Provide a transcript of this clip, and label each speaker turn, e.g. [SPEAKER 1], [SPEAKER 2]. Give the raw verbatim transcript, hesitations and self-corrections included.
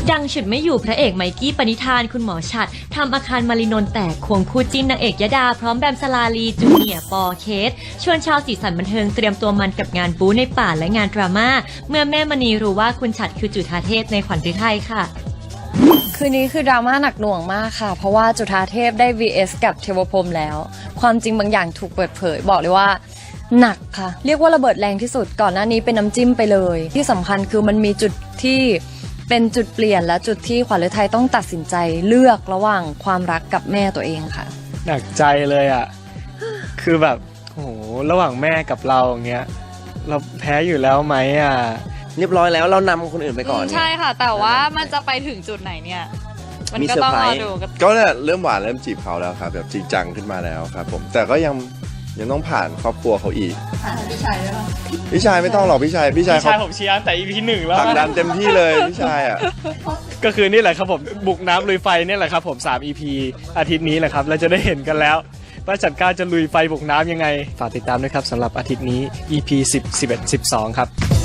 [SPEAKER 1] ดังฉุดไม่อยู่พระเอกไมกี้ปณิธานคุณหมอฉัตรทำอาคารมารินนท์แตกควงคู่จิ้นนางเอกยดาพร้อมแบมสลาลีจูเนียร์ปอเคสชวนชาวสีสันบันเทิงเตรียมตัวมันกับงานบู๊ในป่าและงานดราม่าเมื่อแม่มณีรู้ว่าคุณฉัตรคือจุฑาเทพในขวัญฤทัยค่ะ
[SPEAKER 2] คืนนี้คือดราม่าหนักหน่วงมากค่ะเพราะว่าจุฑาเทพได้ วี เอส กับเทวพรหมแล้วความจริงบางอย่างถูกเปิดเผยบอกเลยว่าหนักค่ะเรียกว่าระเบิดแรงที่สุดก่อนหน้านี้เป็นน้ำจิ้มไปเลยที่สำคัญคือมันมีจุดที่เป็นจุดเปลี่ยนและจุดที่ขวัญฤทัยต้องตัดสินใจเลือกระหว่างความรักกับแม่ตัวเองค่ะ
[SPEAKER 3] หนักใจเลยอ่ะ คือแบบโอ้โหระหว่างแม่กับเราอย่างเงี้ยเราแพ้อยู่แล้วไหมอ่ะ
[SPEAKER 4] เรียบร้อยแล้วเรานำคนอื่นไปก่อน
[SPEAKER 5] ใช่ค่ะแต่ว่ามันจะไปถึงจุดไหนเนี่ยมันก็ต้องรอดู
[SPEAKER 6] ก็เนี่ยเริ่มหวานเริ่มจีบเขาแล้วครับแบบจริงจังขึ้นมาแล้วครับผมแต่ก็ยังยังต้องผ่านครอบครัวเขาอีกผ่านพี่ชายด้วยหรอพี่ชายไม่ต้องหรอกพี่ชายพี่ชาย
[SPEAKER 3] พี่ชายผมเชียร์แต่ อี พี หนึ่งแล้ว
[SPEAKER 6] ผลักดันเต็มที่เลยพี่ชายอ่ะ
[SPEAKER 3] ก็คือนี่แหละครับผมบุกน้ำลุยไฟนี่แหละครับผมสาม อี พี อาทิตย์นี้แหละครับเราจะได้เห็นกันแล้วว่าจัดการจะลุยไฟบุกน้ำยังไงฝากติดตามด้วยครับสำหรับอาทิตย์นี้ อี พี สิบ สิบเอ็ด สิบสองครับ